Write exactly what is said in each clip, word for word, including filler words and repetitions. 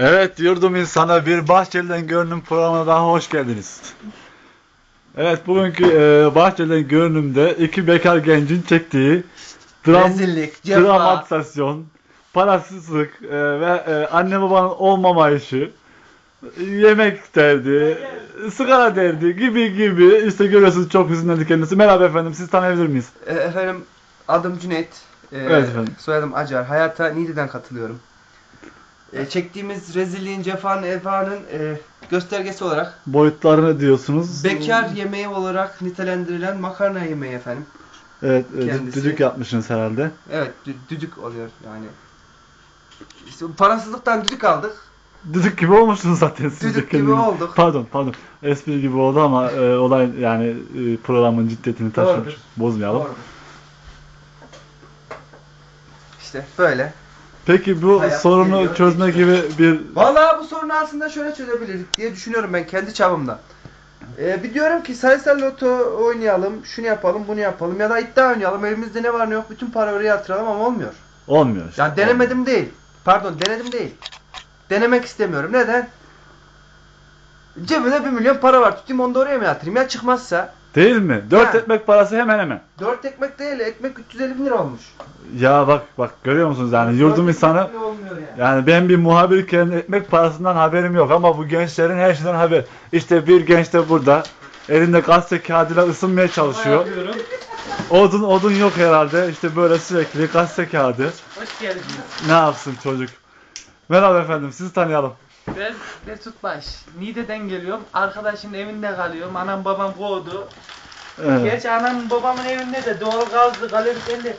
Evet, yurdum insana bir Bahçeli'den Görünüm programına daha hoş geldiniz. Evet, bugünkü e, Bahçeli'den Görünüm'de iki bekar gencin çektiği dram, rezillik, cefa, dramatisasyon, parasızlık e, ve e, anne babanın olmamayışı, yemek derdi, sigara derdi gibi gibi işte görüyorsunuz, çok hüzünlendi kendisi. Merhaba efendim, siz tanıyabilir miyiz? E, efendim adım Cüneyt. E, Evet efendim. Soyadım Acar. Hayata Niğde'den katılıyorum. E, çektiğimiz rezilliğin, cefanın, efanın e, göstergesi olarak Boyutlarını diyorsunuz. bekar yemeği olarak nitelendirilen makarna yemeği efendim. Evet, e, Kendisi. düdük yapmışsınız herhalde. Evet, dü- düdük oluyor yani. İşte parasızlıktan düdük aldık. Düdük gibi olmuşsunuz zaten siz de Düdük gibi kendiniz. olduk. Pardon, pardon. Espri gibi oldu ama e, olay yani e, programın ciddiyetini taşımış. Doğrudur. Bozmayalım. Doğrudur. İşte böyle. Peki bu Hayat sorunu geliyor, çözme geçiyor. gibi bir Vallahi bu sorunu aslında şöyle çözebilirdik diye düşünüyorum ben kendi çapımda. Ee, bir diyorum ki sayısal loto oynayalım, şunu yapalım, bunu yapalım ya da iddia oynayalım. Elimizde ne var ne yok bütün para oraya yatıralım ama olmuyor. olmuyor işte. Yani denemedim değil. Pardon denedim değil. Denemek istemiyorum. Neden? Cebimde bir milyon para var. Tutayım onu da oraya mı yatırayım? Ya çıkmazsa? Değil mi? Dört Ha. ekmek parası hemen hemen. Dört ekmek değil. Ekmek üç yüz elli bin lira olmuş. Ya bak bak görüyor musunuz yani yurdum Dört insanı. ekmek bile olmuyor yani. Yani ben bir muhabirken ekmek parasından haberim yok ama bu gençlerin her şeyden haber. İşte bir genç de burada. Elinde gazete kağıdıyla ısınmaya çalışıyor. Odun odun yok herhalde. İşte böyle sürekli gazete kağıdı. Hoş geldiniz. Ne yapsın çocuk? Merhaba efendim, sizi tanıyalım. Ben Mesut Baş. Niğde'den geliyorum. Arkadaşımın evinde kalıyorum. Anam babam kovdu. Evet. Gerçi anam babamın evinde de doğal gazlı kaloriferli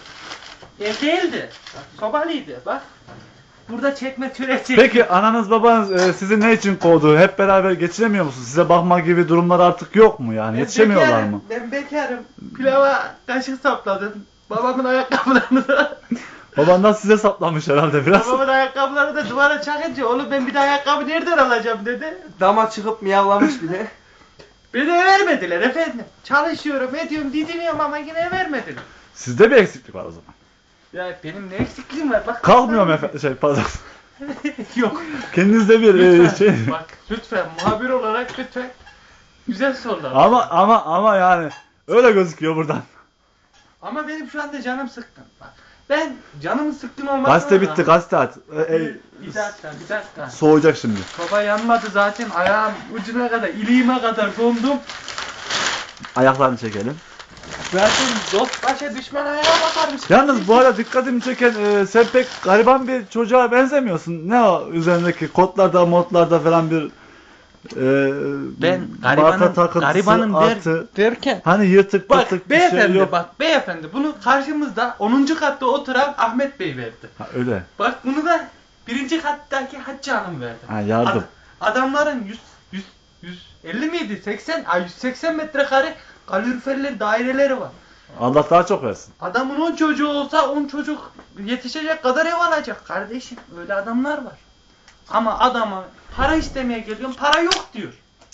ev değildi. Sobalıydı bak. Burada çekme türeti. Peki ananız babanız e, sizi ne için kovdu? Hep beraber geçinemiyor musunuz? Size bakma gibi durumlar artık yok mu yani? Ben Yetişemiyorlar bekarım, mı? Ben bekarım. Pilava kaşık sapladım. Babamın ayakkabılarını da Babandan size saplamış herhalde biraz. babamın ayakkabılarını da duvara çakınca oğlum ben bir de ayakkabı nereden alacağım dedi. Dama çıkıp miyavlamış bir de. Beni vermediler efendim. Çalışıyorum, ediyorum, didiniyorum ama yine vermediler. Sizde bir eksiklik var o zaman. Ya benim ne eksikliğim var bak. Kalkmıyorum efendim şey pardon. Yok. Kendinizde bir e, Lütfen şey. bak lütfen muhabir olarak lütfen güzel sorular. Ama ama ama yani öyle gözüküyor buradan. Ama benim şu anda canım sıkkın. Bak ben canımın sıkkın olmasına Gazete bitti, gazete at. E, e, Bir, bir dakika bir dakika. soğuyacak şimdi. Baba yanmadı zaten ayağım ucuna kadar iliğime kadar dondum. Ayaklarını çekelim. Zaten dost başa düşman ayağa bakarmış. Yalnız bu arada dikkatimi çeken e, sen pek gariban bir çocuğa benzemiyorsun. Ne o üzerindeki kotlarda, modlarda falan bir e, Ben balta garibanın, takıntısı, garibanın der, artı, derken hani yırtık bak pırtık bir şey beyefendi yok. bak beyefendi bunu karşımızda onuncu katta oturan Ahmet Bey verdi. Ha, öyle. Bak bunu da birinci kattaki Hacı Hanım verdi. Ha, yardım. Ad- adamların yüz, yüz, yüz elli miydi? seksen, ay yüz seksen metrekare kaloriferli daireleri var. Allah daha çok versin. Adamın on çocuğu olsa on çocuk yetişecek kadar ev alacak kardeşim. Öyle adamlar var. Ama adama para istemeye geliyorum, para yok diyor.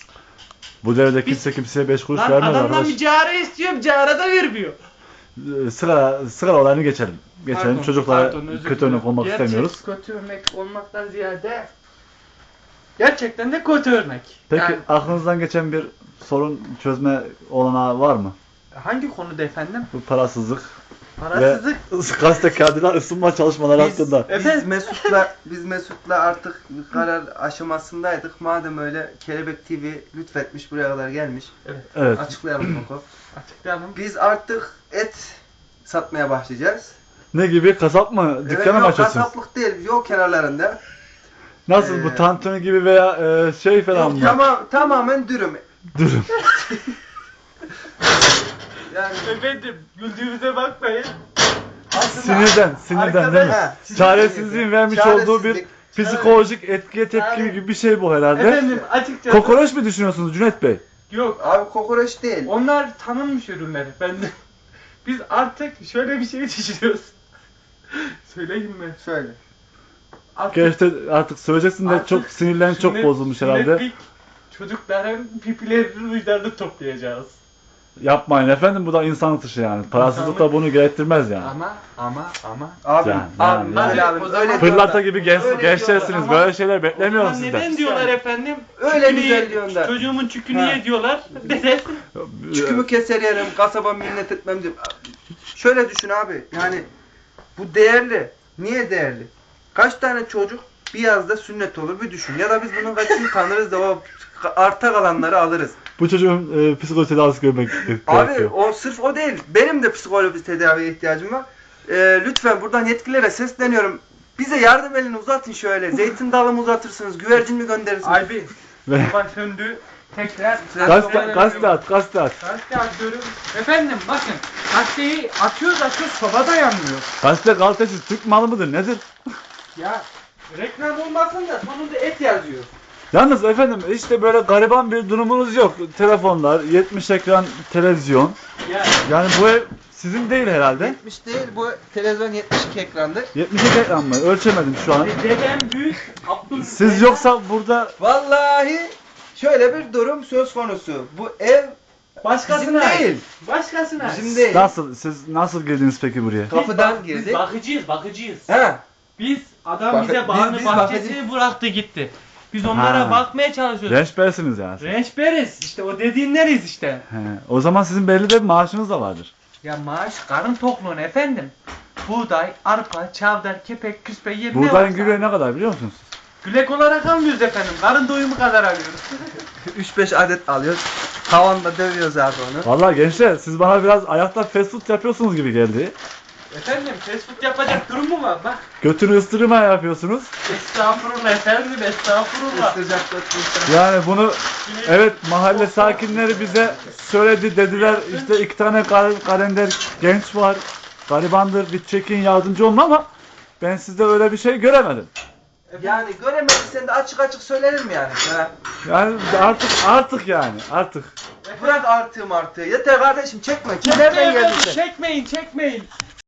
Bu devirde kimse kimseye beş kuruş Lan vermez adamdan arkadaş. bir cara istiyorum, cara da vermiyor. E, Sigara, sigara olayını geçelim. Geçelim. Pardon, Çocuklara pardon, özür kötü dilerim. örnek olmak Gerçek istemiyoruz. kötü örnek olmaktan ziyade gerçekten de kötü örnek. Peki Yani aklınızdan geçen bir sorun çözme olanağı var mı? hangi konuda efendim? Bu parasızlık Parasızlık. ve gazete kağıdıyla ısınma çalışmaları Biz, hakkında. biz Efendim? Mesut'la biz Mesut'la artık bir karar aşamasındaydık. Madem öyle Kelebek T V lütfetmiş buraya kadar gelmiş. Evet. Açıklayalım Koko. Açıklayalım. Biz artık et satmaya başlayacağız. Ne gibi? Kasap mı? Evet, Dükkanı mı yok, açacaksınız? kasaplık değil, yol kenarlarında. Nasıl bu Ee, tantuni gibi veya e, şey falan Yok, mı? tamam, tamamen dürüm. Dürüm. Yani Efendim güldüğümüze bakmayın. aslında Sinirden, sinirden değil mi? Ha, sinirden Çaresizliğin yani. vermiş Çaresizlik. olduğu bir psikolojik etkiye tepki Yani- gibi bir şey bu herhalde. Efendim açıkçası Kokoreç mi düşünüyorsunuz Cüneyt Bey? yok. Abi kokoreç değil. Onlar tanınmış ürünler efendim. Biz artık şöyle bir şey düşünüyoruz. Söyleyeyim mi? Şöyle. Artık, Gerçekten artık söyleyeceksin de artık çok sinirlen çok sünnet- bozulmuş herhalde. sünnetlik çocukların pipilerini uçlarını toplayacağız. Yapmayın efendim, bu da insanlık dışı yani. Parasızlık da bunu gerektirmez yani. Ama ama ama. Abim, Yani, abim, yani, öyle yani. abim, O zaman öyle Pırlanta diyorlar. gibi genç, Öyle gençlersiniz. diyorlar. Böyle şeyler beklemiyorum O zaman sizden. neden diyorlar efendim? Öyle Çükünü güzel ye- diyorsun da. Çocuğumun çükünü Ha. ye diyorlar. Neden? Çükümü keser yerim, kasaba minnet etmem diye. Şöyle düşün abi, yani bu değerli. Niye değerli? Kaç tane çocuk bir yazda sünnet olur bir düşün. Ya da biz bunun kaçını tanırız da o arta kalanları alırız. Bu çocuğun e, psikolojik tedavisi görmek Abi gerekiyor. o sırf o değil. Benim de psikolojik tedaviye ihtiyacım var. Ee, lütfen buradan yetkililere sesleniyorum. Bize yardım elini uzatın şöyle. Zeytin dalı mı uzatırsınız, güvercin mi gönderirsiniz? Abi. Ve Baba söndü. Tekrar. gazete, gazete at, gazete at. Gazete atıyorum. Efendim bakın. Gazeteyi atıyoruz atıyoruz soba dayanmıyor. Gazete kalitesiz Türk malı mıdır nedir? Ya reklam olmasın da sonunda et yazıyor. Yalnız efendim işte böyle gariban bir durumunuz yok. Telefonlar, yetmiş ekran televizyon. Ya Yani bu ev sizin değil herhalde. yetmiş değil, bu televizyon yetmiş iki ekrandı. yetmiş iki ekran mı? Ölçemedim şu an. dedem büyük. Abdül Siz yoksa burada Vallahi şöyle bir durum söz konusu. Bu ev başkasına bizim ait. değil. Başkasına ait. Bizim değil. nasıl siz nasıl girdiniz peki buraya? Biz Kapıdan bak- Biz girdik. bakıcıyız, bakıcıyız. He. Biz adam Bak- bize biz- bağını biz bahçesini bıraktı gitti. Biz onlara Ha. bakmaya çalışıyoruz. Rençbersiniz yani. Rençberiz. İşte o dediğinleriz işte. He. O zaman sizin belli de bir maaşınız da vardır. Ya maaş karın tokluğun efendim. Buğday, arpa, çavdar, kepek, küspe yer ne Buğdayın varsa. gübre ne kadar biliyor musunuz? Gülek olarak almıyoruz efendim. Karın doyumu kadar alıyoruz. üç beş adet alıyoruz. Tavanda dövüyoruz abi onu. Vallahi gençler siz bana biraz ayakta fast food yapıyorsunuz gibi geldi. efendim fast food yapacak durum mu var? Bak. Götünü ıstırma yapıyorsunuz. Estağfurullah efendim, estağfurullah. Isıracak götürmüşler. Yani bunu evet mahalle sakinleri bize söyledi dediler işte iki tane kar- kalender genç var. Garibandır bir çekin yardımcı olun ama ben sizde öyle bir şey göremedim. Yani göremediysen de açık açık söylerim yani. Ha. Yani artık artık yani artık. Bırak artığı martığı. Yeter kardeşim çekme. Nereden Çekmeyin geldin efendim, sen? çekmeyin, çekmeyin.